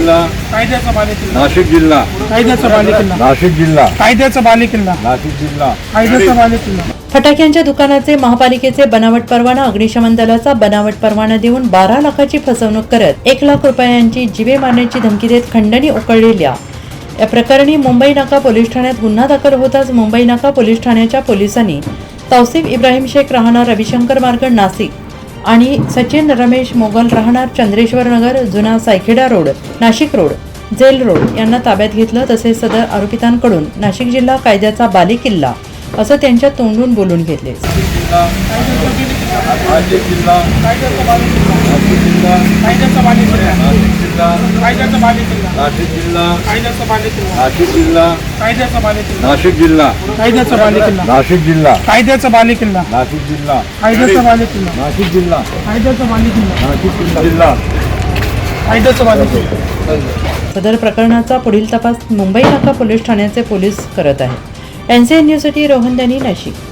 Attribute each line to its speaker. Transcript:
Speaker 1: जिल्हा
Speaker 2: कायद्याचा बालेकिल्ला,
Speaker 1: नाशिक जिल्हा
Speaker 2: कायद्याचा बालेकिल्ला,
Speaker 1: नाशिक जिल्हा
Speaker 2: कायद्याचा बालेकिल्ला,
Speaker 1: नाशिक जिल्हा
Speaker 2: कायद्याचा बालेकिल्ला.
Speaker 3: फटाक्यांच्या दुकानाचे महापालिकेचे बनावट परवाना, अग्निशमन दलाचा बनावट परवाना देऊन 12 लाखाची फसवणूक करत 1 लाख रुपयांची जीवे मारण्याची धमकी देत खंडणी उकळलेल्या या प्रकरणी मुंबई नाका पोलीस ठाण्यात गुन्हा दाखल होताच मुंबई नाका पोलीस ठाण्याच्या पोलिसांनी तौसिफ इब्राहिम शेख राहणार रविशंकर मार्ग नाशिक आणि सचिन रमेश मोगल राहणार चंद्रेश्वर नगर जुना Saykheda road Nashik road jail road यांना ताब्यात घेतलं. तसेच सदर आरोपितांकडून नाशिक जिल्हा कायद्याचा बालेकिल्ला असं त्यांच्या तोंडून बोलून घेतले.
Speaker 1: नाशिक जिल्हा नाशिक जिल्हा
Speaker 2: कायद्याचा बालेकिल्ला,
Speaker 1: नाशिक जिल्हा
Speaker 2: कायद्याचा बालेकिल्ला,
Speaker 1: नाशिक जिल्हा
Speaker 2: कायद्याचा बालेकिल्ला,
Speaker 1: नाशिक जिल्हा
Speaker 2: कायद्याचा बालेकिल्ला,
Speaker 1: नाशिक जिल्हा
Speaker 2: कायद्याचा बालेकिल्ला,
Speaker 1: नाशिक जिल्हा
Speaker 2: कायद्याचा बालेकिल्ला,
Speaker 1: नाशिक जिल्हा
Speaker 2: कायद्याचा बालेकिल्ला,
Speaker 1: नाशिक जिल्हा
Speaker 2: कायद्याचा बालेकिल्ला,
Speaker 1: नाशिक जिल्हा
Speaker 2: कायद्याचा बालेकिल्ला,
Speaker 1: नाशिक जिल्हा
Speaker 2: कायद्याचा बालेकिल्ला.
Speaker 3: सदर प्रकरणाचा पुढील तपास मुंबई नाका पोलीस ठाण्याचे पोलीस करत आहेत. NCN न्यूजसाठी रोहन दनी, नाशिक.